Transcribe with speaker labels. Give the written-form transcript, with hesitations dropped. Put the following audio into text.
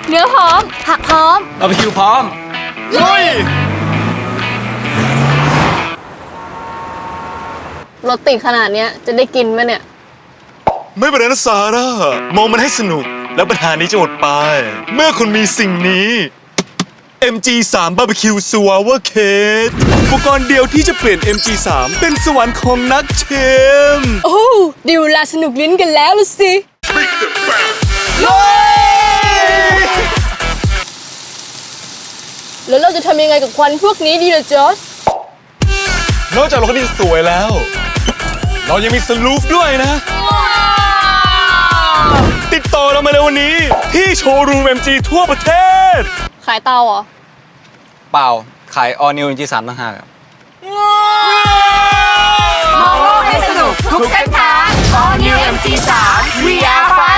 Speaker 1: เนื้อพร้อมผักพร้อม
Speaker 2: บาร์บีคิวพร้อมลุย
Speaker 1: รถติดขนาดเนี้ยจะได้กินไหมเนี่ย
Speaker 3: ไม่เป็นไรนะซาร่ามองมันให้สนุกแล้วปัญหานี้จะหมดไป เมื่อคุณมีสิ่งนี้ MG3 Barbecue Sour Cake อุปกรณ์เดียวที่จะเปลี่ยน MG3 เป็นสวรรค์ของนักเชม
Speaker 1: โอ้ดิวลาสนุกลิ้นกันแล้วล่ะสิแล้วเราจะทำยังไงกับควันพวกนี้ดีล่ะจอร์จ
Speaker 3: นอกจากรถที่สวยแล้ว เรายังมีสลูฟด้วยนะ ติดต่อเรามาเลยวันนี้ ที่โชว์รูม MG ทั่วประเทศ
Speaker 1: ขายเตาเหรอ
Speaker 2: เปล่าขาย All New MG3 ต่างหากครับ
Speaker 4: มองโลกให้สนุกทุกเส้นทาง All New MG3 We are fun